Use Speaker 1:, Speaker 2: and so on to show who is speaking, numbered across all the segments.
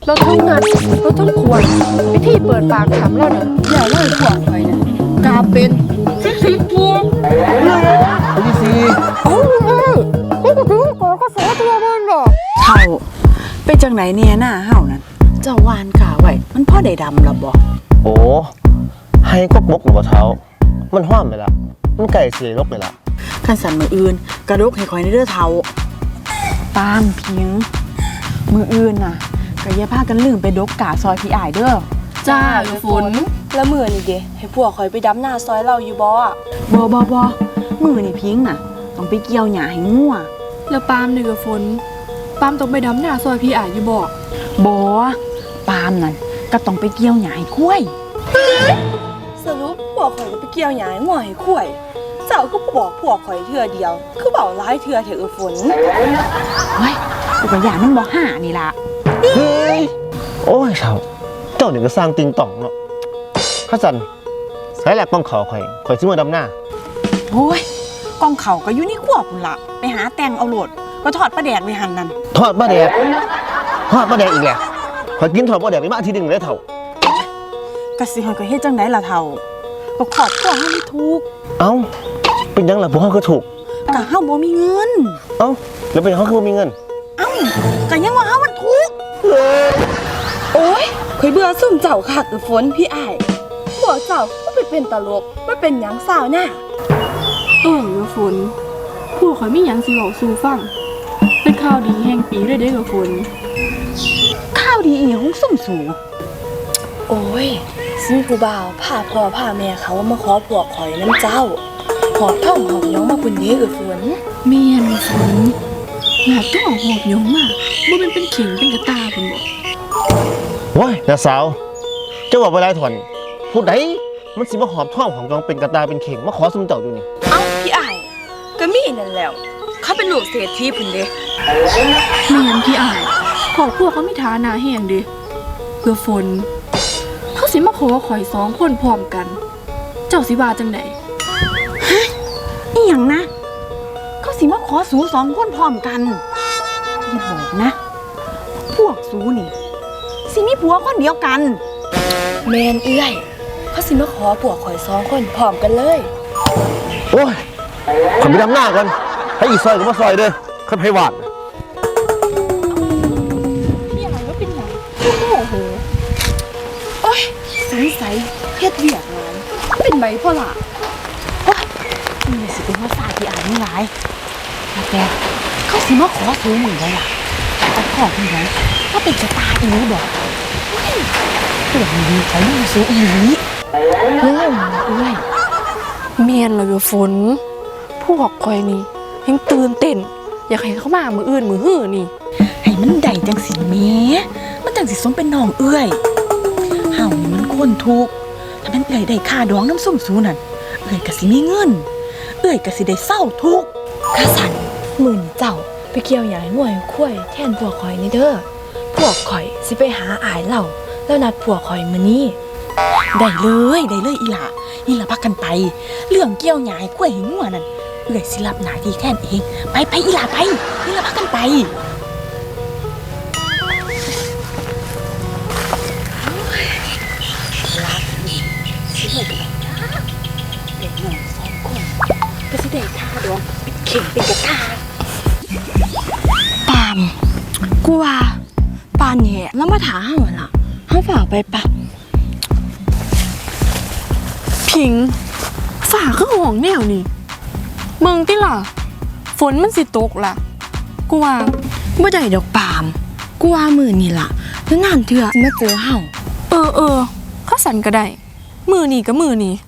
Speaker 1: เราทั้งงัดเราทั้งขวดวิธีเปิดปากถามเราเนี่ยอย่าเล่าขวดไปเนี่ยกาเป็นซิกตัว
Speaker 2: เอาที่สี่
Speaker 1: ก็ถึงก่อนก็สอตัวมันหรอ
Speaker 3: เท่าไปจังไหนเนี่ยหน้าเฮานั่นเจ้าวานกาไว้มันพ่อได้ดำละบ่
Speaker 2: โอ้ให้กบกหรือเปล่าเท้ามันห้อมไปละมันไก่เสียลกไปละ
Speaker 3: คันสันมืออื่นกระดกให้คอยในเด้อเท่าตามเพียงมืออื่นน่ะก็อย่าพากันลืมไปดกกาซอยพี่อ้ายเด้อ
Speaker 1: จ้าฝน
Speaker 4: แล้วมื้อนี่เด้ให้พวกข่อยไปดำหน้าซอยเราอยู่บ่อ่ะ
Speaker 3: บ่มือนี่พิงน่ะต้องไปเกี่ยวหญ้าให้งัว
Speaker 1: แล้วปามนี่กับฝนปามต้องไปดำหน้าซอยพี่อ้ายอยู่บ่
Speaker 3: บ่ปามนั่นก็ต้องไปเกี่ยวหญ้าให้ควาย
Speaker 4: สรุปพวกข่อยก็ไปเกี่ยวหญ้าให้งัวให้ควายเจ้าก็บอกพวกข่อยเทื่อเดียวคือเว้าหลายเทื่อเถอะฝน
Speaker 3: เฮ้ยกูก็ย่านมันบ่ห่านี่ล่ะ
Speaker 2: เฮ้ยโอ้ยเท้าเจ้าเนี่ยก็สร้างติงต่องเนาะข้าสันสายแหลกป้องเขาข่อยซื้อมาดำหน้า
Speaker 3: โอ้ยกองเขาก็อยู่ในครัวพุ่นล่ะไปหาแตงเอาโหลดก็ทอดปลาแดกไว้หั่นนั่น
Speaker 2: ทอดปลาแดกอีกแหละข่อยกินทอดปลาแดกไปมาอาทิตย์นึงแล้วเท่าก
Speaker 3: ะสิเฮาก็เฮ็ดจังได๋ล่ะเฒ่าก็ขอบตัวเฮาไม่ถูก
Speaker 2: เอ้าเป็นยังล่ะพวกเขาก็ถูก
Speaker 3: ก็เฮาบ่มีเงิน
Speaker 2: เอ้าแล้วเป็นเขาคือบ่มีเงิน
Speaker 3: เอ้าก็ยังว่าเฮามันถูก
Speaker 4: โอ๊ยข่อยเบื่อซุ่มเจ้าคักฝนพี่อ้ายพวกเจ้าก็ไปเป็นตลกบ่เป็นหยังสาวหน้า
Speaker 1: ฝนพวกข่อยมีหยังสิเว้าสู่ฟังเป็นข่าวดีแห่งปีเลยเด้อฝน
Speaker 3: ข้าวดีอีหยังซุ่มสู
Speaker 4: โอ้ยสิมีผู้บ่าวพาพ่อพาแม่เขามาขอพวกข่อยน้ำเจ้าหอบท่องหอบย้องมาปุ่นเด้อฝน
Speaker 1: เมียนฝนหอบท่องหอบย้องมาบ่เป็นเข่งเป็นกระตาพุ่นบ่
Speaker 2: ว้ายน้าสาวเจ้าบอกไปหลายถอนผู้ใดมันสิมาหอบท่องของจองเป็นกระตาเป็นเข่งมาขอซุ่มเจ้าอยู่นี่
Speaker 4: เอ้าพี่อ้ายก็มีนั่นแล้วเขาเป็นลูกเศรษฐีพุ่นเด้
Speaker 1: เมียนพี่อ้ายครอบครัวเขามีฐานะแฮงเด้เพื่อฝนเขาสิมาขอข่อย2คนพร้อมกันเจ้าสิว่าจังได๋
Speaker 3: ฮะอีหยังนะเขาสิมาขอสู2คนพร้อมกันอย่าบอกนะพวกสูนี่สิมีผัวคนเดียวกัน
Speaker 4: แม่นเอื้อยเขาสิมาขอพวกข่อย2คนพร้อมกันเลย
Speaker 2: โอ้ยขอไปดำหน้าก่อนให้อีซอยก็มาซอยเด้อคันไผหวาน
Speaker 1: พี่อ้ายว่าเป็นหยังโอ้โห
Speaker 4: โอ๊ยสงสัยเฮ็ดเวียกหลาย
Speaker 1: เป็นไบโพล่า
Speaker 3: นี่สิเป็นว่าสาที่อ่านนี่หลายแต่เขาสิมาขอสูงได้ล่ะแต่ขอเพิ่นไว้ถ้าเป็นกระตาอีบ่ตัวนี้เขาไม่สูงอีนี้
Speaker 1: เอ้ยเมียนเลยฝนพวกข่อยนี่ยังตื่นเต้นอยากให้เขามามื้ออื่นมื้อหื้อนี่
Speaker 3: ให้มันได้จังสิแม่มันจังสิสมเป็นน้องเอื้อยเฮานี่มันคนทุกข์ถ้ามันเอื้อยได้ค่าดองน้ำส้มสูนั่นเอื้อยก็สิมีเงินเอื้อยก็สิได้เศร้าทุกข์
Speaker 4: ข้าสั่นมื้อนี้เจ้าไปเกี่ยวหญ้าให้งัวให้ควายแทนพวกข่อยนี่เด้อพวกข่อยสิไปหาอ้ายเราแล้วนัดพวกข่อยมื้อนี้
Speaker 3: ได้เลยอีหล่ะพักกันไปเรื่องเกี่ยวหญ้าให้ควายให้งัวนั่นเอื้อยสิรับหน้าที่แทนเองไปอีหล่ะไปอีหล่ะพักกันไป
Speaker 4: ก็สิได้ท่าดองเป็นเข่งเป็นกระตา
Speaker 1: ปามกูว่าปานนี่แล้วมาถาเฮาล่ะเฮาฝากไปปะพิงฝากคือห้องแนวนี่เมืองติล่ะฝนมันสิตกล่ะกูว่าบ่ได้ดอกปามกูว่ามื้อนี่ล่ะแล้วนานเทื่อสิมาเจอเฮาเขาสั่นก็ได้มื้อนี้ก็มื้อนี้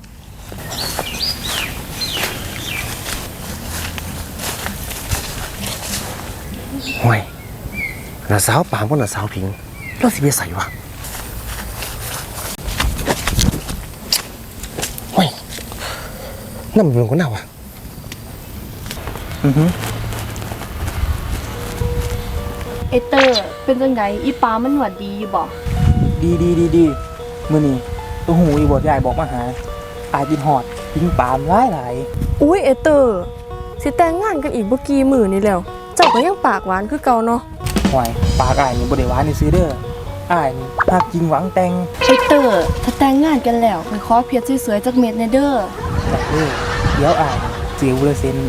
Speaker 2: ห่วยน้าสาวปามกับน้าสาวพิงเราสิไปใส่วะห่วยนั่นมันเป็นคนหน้าวะ
Speaker 4: เอเตอร์เป็นจังไดอีปามันหวัดดีอยู่บ่
Speaker 5: ดีมื้อนี้ตัวหูอีบ่ยายบอกมาหาอายกินฮอดกินปามหลาย
Speaker 1: อุ้ยเอเตอร์สิแต่งงานกันอีกบ่กี่มื้อนี่แล้วเจ้าก็ยังปากหวานคือเก่าเนาะ
Speaker 5: ห่วยปากอายนี่บ่ได้หวานนี่ซื้อเด้ออ้ายนี่หักจริงหวังแต่ง
Speaker 4: ไอเตอร์ถ้าแต่งงานกันแล้วไปขอเพชรสวยๆจากเม็ดแน่เด้อ
Speaker 5: แต่เดี๋ยวอ้ายเจียวเลยเซ็น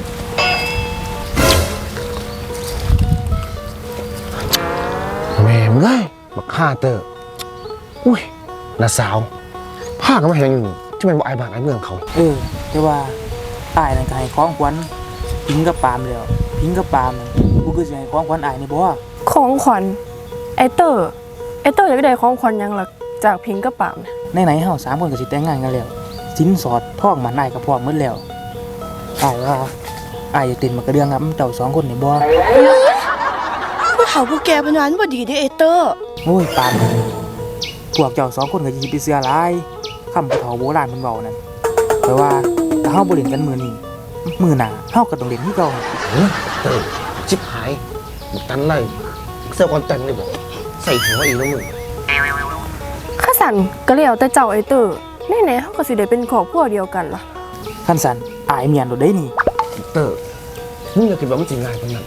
Speaker 2: แม่มึงเลยบักฆ่าเตอร์อุ้ยน้าสาวผ้าก็มาเห็นอยู่จะเป็นบ่อายบ้านอายเมืองเขา
Speaker 5: แต่ว่าอ้ายนั่นก็ให้ของขวัญพิงกับปาล์มแล้วพิงกับปาล์มกูก็สิให้ของขวัญอ้ายนี่บ่
Speaker 1: ของขวัญไอเตอร์อยากได้ของขวัญหยังล่ะจากพิงกับปามเนี่ย
Speaker 5: ไหนๆเฮา3คนก็สิแต่งงานกันแล้วสินสอดทองมันอ้ายก็พร้อมหมดแล้วอ้ายว่าอ้ายอยากเต้นมากระเดื่องงับเจ้า2คนนี่บ่
Speaker 4: ผู้เฒ่าผู้แก่เพนว่ามันบ่ดีเด้ไอเตอร์
Speaker 5: โอ้ยปาล์มพวกเจ้า2คนก็สิไปเชื่อหลายคำผู้เฒ่าโบราณเพิ่นเว้านั่นแต่ว่าถ้าเฮาบ่เล่นกันมื้อนี้มื้อหน้าเฮาก็ต้องเล่นคือเก่า
Speaker 2: เตอร์ชิบหายบุกตันเลยเสื้อคอนแต่งเลยบอกใส่หัวอีกแล้วมึง
Speaker 1: ข้าสันก็แล้วแต่เจ้าไอเตอร์แน่ๆเขาก็สิได้เป็นครอบครัวเดียวกันล่ะ
Speaker 5: คันสันอายเมียนโดดได้นี่
Speaker 2: เตอร์มึงอย่าคิดว่ามันจริงง่ายขนาดนั้น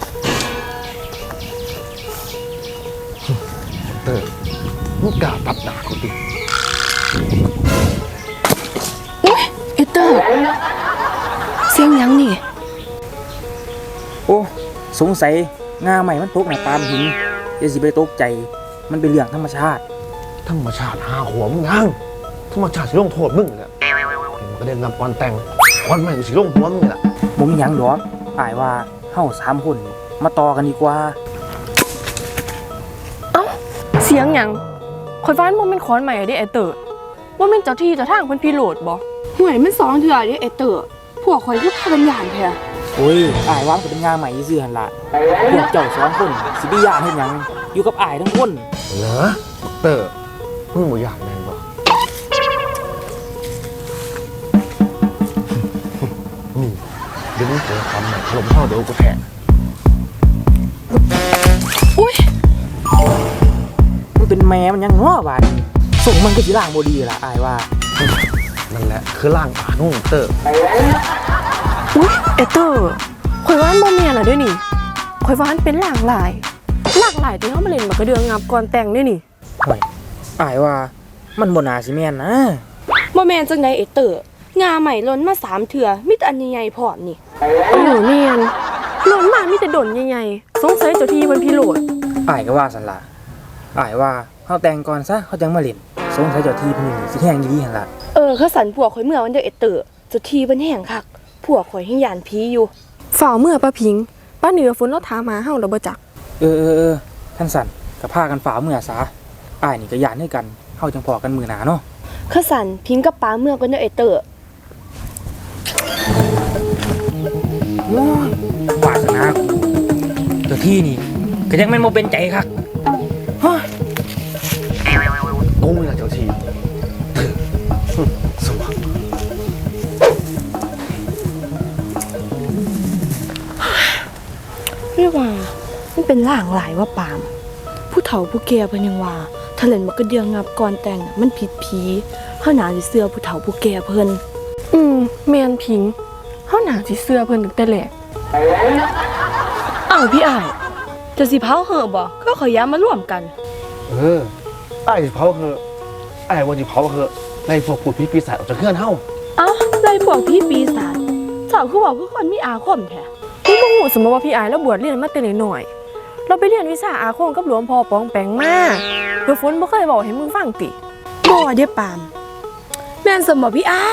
Speaker 2: เตอร์มึงกล้าตัดด่ากูดิ
Speaker 4: ไอเตอร์เสียงหยังนี่
Speaker 5: โอ้สงสัยงาใหม่มันตกในปามหินอย่าสิไปตกใจมันเป็นเรื่องธรรมชาติ
Speaker 2: ธรรมชาติหาหัวมึงยังธรรมชาติสิลงโทษมึงเลยเห็นมันก็ได้นำก่อนแต่งก่อนใหม่สิลงหัวมึงนี่แหละ
Speaker 5: บ่มีหยังดอกอายว่าเฮา3คนมาต่อกันดีกว่า
Speaker 1: เสียงหยังข่อยฟ้านบ่แม่นขอนใหม่เด้ไอเตอร์บ่แม่นเจ้าที่เจ้าทางเพิ่นพิโรธบ่
Speaker 4: ห่วยมัน2เทื่อเด้ไอเตอร์พวกข่อยคือพากันย่านแท้
Speaker 5: โอ้ยอายว่ามันก็เป็นงาใหม่ซื่อๆหั่นล่ะพวกเจ้า2คนสิไปย่านเฮ็ดหยังอยู่กับอายทั้งคน
Speaker 2: เหรอเตอร์มึงบ่อยากแม่นบ่เดี๋ยวมึงเจอความใหม่ถล่มท่อเดี๋ยวกูแทง
Speaker 5: มันเป็นแม่มันยังเนาะบาดนี้ส่งมันก็สิล้างบ่ดีล่ะอายว่า
Speaker 2: นั่นแหละคือร่างป่านุ่งเตอร์
Speaker 1: อุ๊ยไอเตอร์ข่อยว่ามันบ่แม่นล่ะเด้อนี่ข่อยว่ามันเป็นหลากหลายที่เฮามาเล่นมันก็เดืองงับก่อนแต่งเด้อนี่
Speaker 5: ห่วยอายว่ามันบ่น่าสิแม่นนะ
Speaker 4: บ่แม่นจังได๋ไอเตอร์งาใหม่ล้นมา3เทื่อมีแต่อันใหญ่ๆพร้อมนี่
Speaker 1: แม่นหล่นมามีแต่ดนใหญ่ๆสงสัยเจ้าที่เพิ่นพิโรธ
Speaker 5: อายก็ว่าสันละอายว่าเขาแต่งก่อนซะเขาจังมาเล่นสงสัยเจ้าที่เพิ่นนี่สิแห้งดีๆหั่นล่ะ
Speaker 4: เขาสั่นพวกข่อยเมื่อวันเด้อไอเตอร์เจ้าที่เพิ่นแห้งคักพวกข่อยยังย่านผีอยู่
Speaker 1: ฝ่าวเมื่อป้าพิงป้าเหนือฝนเราถามหาเฮาแล้วบ่จัก
Speaker 5: ท่านสันก็พากันฝ่าเมื่อซะอายนี่ก็ย่านให้กันเฮาจังพอกันมื้อหน้าเนาะ
Speaker 4: ข้าสั่นพิงกับป้าเมื่อกันเด้อไอเตอร์
Speaker 5: โอ้ยวาสนากูเจ้าที่นี่ก็ยังแม่นบ่เป็นใจคัก
Speaker 2: กูนี่แหละเจ้าทีสว่าง
Speaker 4: เรียกว่ามันเป็นล่างหลายว่าปาม ผู้เฒ่าผู้แก่เพิ่นยังว่าถ้าเล่นมันก็เดียงงับก่อนแต่งน่ะมันผิดผีเฮาน่าสิเชื่อผู้เฒ่าผู้แก่เพิ่น
Speaker 1: แม่นพิงเฮาน่าสิเชื่อเพิ่นตั้งแต่แรก
Speaker 4: อ้าวพี่อ้ายจะสิเผาเหอะบ่ก็ขอยย้ามาร่วมกัน
Speaker 2: ไอ้เผาเหอะไอ้วันที่เผาเหอะไล่พวกผู้ผีปีศาจออกจากเครื่องเฮา
Speaker 4: เอ้าไล่พวกพี่ปีศาจเจ้าคือบอกคือคนมีอาคมแท้
Speaker 1: พี่บ่ฮู้สมมุติว่าพี่อายแล้วบวชเรียนมาแต่น้อยๆเราไปเรียนวิชาอาคมกับหลวงพ่อปองแปงมาเดี๋ยวฝนบ่เคยบอกให้มึงฟังติ
Speaker 4: บ่เด้อปาม แม่นสมบ่พี่อ้าย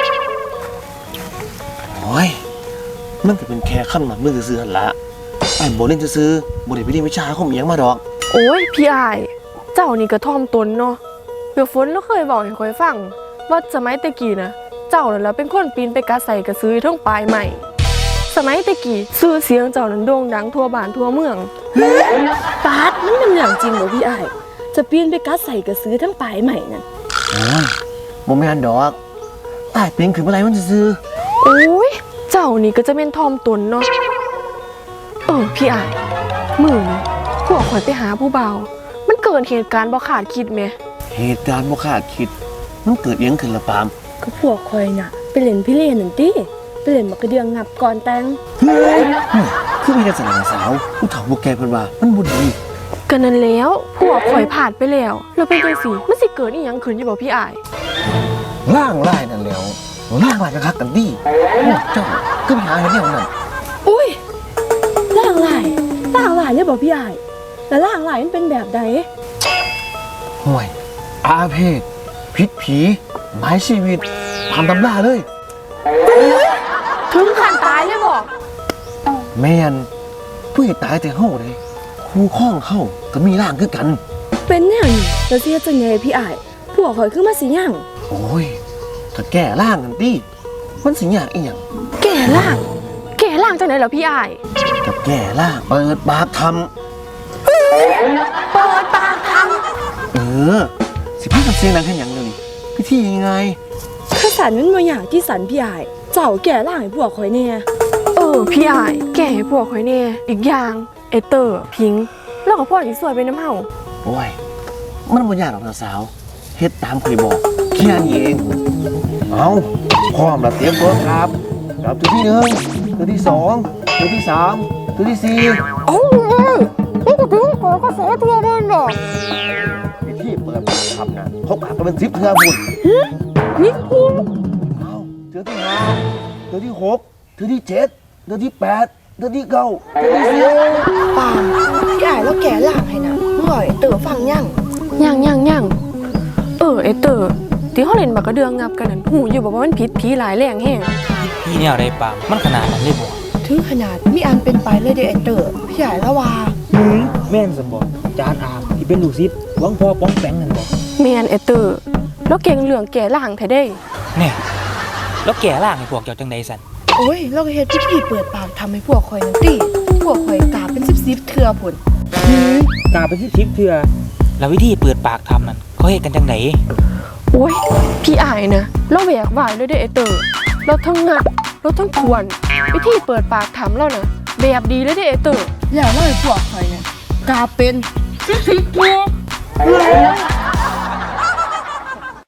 Speaker 2: โอ้ยมันก็เป็นแค่ขั้นหมักมือซื้อๆหั่นละไอ้บ่เล่นซื้อๆบ่ได้ไปเรียนวิชาอาคมอิหยังมาดอก
Speaker 1: โอ้ยพี่อายเจ้านี่ก็ท่อมตนเนาะเดี๋ยวฝนเราเคยบอกให้ข่อยฟังว่าสมัยตะกี้นะเจ้านั่นแหละเป็นคนปีนไปกัดใส่กระซื้อทั้งปลายใหม่สมัยตะกี้ชื่อเสียงเจ้านั้นโด่งดังทั่วบ้านทั่วเมือง
Speaker 4: ปาดมันเป็นเรื่องจริงบ่พี่อ้ายจะปีนไปกัดใส่กระซื้อทั้งปลายใหม่นั่น
Speaker 2: โอ้ยบ่แม่นดอกไอ้เป็นขึ้นมาไรมันซื้อ
Speaker 1: โอ้ยเจ้านี่ก็จะเป็นทอมตนเนาะพี่อายมื้อนี้พวกข่อยไปหาผู้บ่าวมันเกิดเหตุการณ์บ่คาดคิดแหม
Speaker 2: เหตุการณ์บ่คาดคิดมันเกิดอิหยังขึ้นละปาม
Speaker 4: ก็พวกข่อยน่ะไปเล่นพี่เล่นนั่นติไปเล่นมันก็เดียงงับก่อนแต่ง
Speaker 2: คือมีแต่สนานสาวผู้เฒ่าผู้แก่เพิ่นว่ามันบ่ดี
Speaker 1: กกันนั้นแล้วพวกข่อยผ่านไปแล้วแล้วเป็นจังซี่มันสิเกิดอีหยังขึ้นอยู่บ่พี่อ้าย
Speaker 2: ล่างลายนั่นแล้วล่างลายกันคักกันดิพวกเจ้าก็ไปหาเห็นแนวนั้น
Speaker 4: อุ้ยล่างหลายเลยบอกพี่อ้ายแล้วล่างหลายมันเป็นแบบใด
Speaker 2: ห่วยอาเพศพิษผีหมายชีวิตตามตำราเลย
Speaker 1: ถึงขั้นตายเลยบ่
Speaker 2: แม่นผู้ตายแต่เฮาเลยคู่ข้องเฮาก็มีร่างคือกัน
Speaker 4: เป็นแนวนี้แล้วสิเฮ็ดจังไงพี่อ้ายพวกข่อยคือมาสิหยัง
Speaker 2: โอ้ยถ้าแก้ร่างกันดิมันสิยากอีหยัง
Speaker 1: แก่ล่างจังได๋ล่ะพี่อ้าย
Speaker 2: กับแก้ร่างเปิดปากท
Speaker 1: เปิดปากทำ
Speaker 2: ำสิพากันเสียงดังแค่หยังเดี๋ยวนี้พิธียังไง
Speaker 4: คือสันมันบ่อยากที่สันพี่อ้ายเจ้าแก่ล่างให้พวกข่อยแน่
Speaker 1: พี่อ้ายแก่ให้พวกข่อยแน่อีกอย่างไอเตอร์พิงค์แล้วก็พ่อสิสวยไปน้ำเฮา
Speaker 2: โอ้ยมันบ่ยากหรอกนะสาวเฮ็ดตามเคยบอกแค่นี้เองเอาพร้อมแล้วเตรียมตัวครับตัวที่หนึ่งตัวที่สองตัวที่สามตัวที่สี่
Speaker 1: นี่ก็ถึงขอกระแสตัวเดินดอก
Speaker 2: พิธีเปิดปากคำนะเขาปากกันเป็น10เทื่อบุญ
Speaker 1: นี่พิง
Speaker 2: เอาเทื่อที่ห้าเทื่อที่หกเทื่อที่เจ็ดเทื่อที่แปดเทื่อที่เก้าเทื่อที่สิบ
Speaker 4: ปามพี่อ้ายแล้วแก่ล่างให้นะมึงบ่อยเต๋อฟังยัง
Speaker 1: ยังไอเตอร์ที่เขาเล่นบักกระเดืองงับกันนั่นหูอยู่บอกว่ามันผิดผีหลายแรงแห้ง
Speaker 5: พี่แนวได้ปามมันขนาดนั้นเลยบ่
Speaker 4: ถึงขนาดมีอันเป็นไปเลยเด้อไอ้เต๋อพี่อ้ายละว่า
Speaker 5: แม่นสมบ่จานอามที่เป็นลูกศิษย์หวังพ่อป้องแปงนั่นบ่
Speaker 1: แมนไอเตอร์แล้วเก่งเรื่องแก่ล่างแท้ได้
Speaker 5: เนี่ยแล้วแก่ล่างให้พวกเจ้าจังใดสั่น
Speaker 4: โอ้ยเราก็เฮ็ดพิธีเปิดปากทำให้พวกข่อยนั่นติพวกข่อยกราบเป็น10เทื่อพุ่น
Speaker 5: กาไปที่ทิพย์เถื่อแล้ววิธีเปิดปากทำนั่นเขาเฮ็ดกันจังได
Speaker 1: โอ้ยพี่อายนะเราแหวกว่ายเลยเด้อไอเตอร์เราทั้งงัดเราทั้งทวนวิธีเปิดปากถามเรานะแบบดีเลยเด้อไอเตอร์
Speaker 4: แล้วเราให้พวกข่อยเนี่ยกราบเป็น10เทื่อ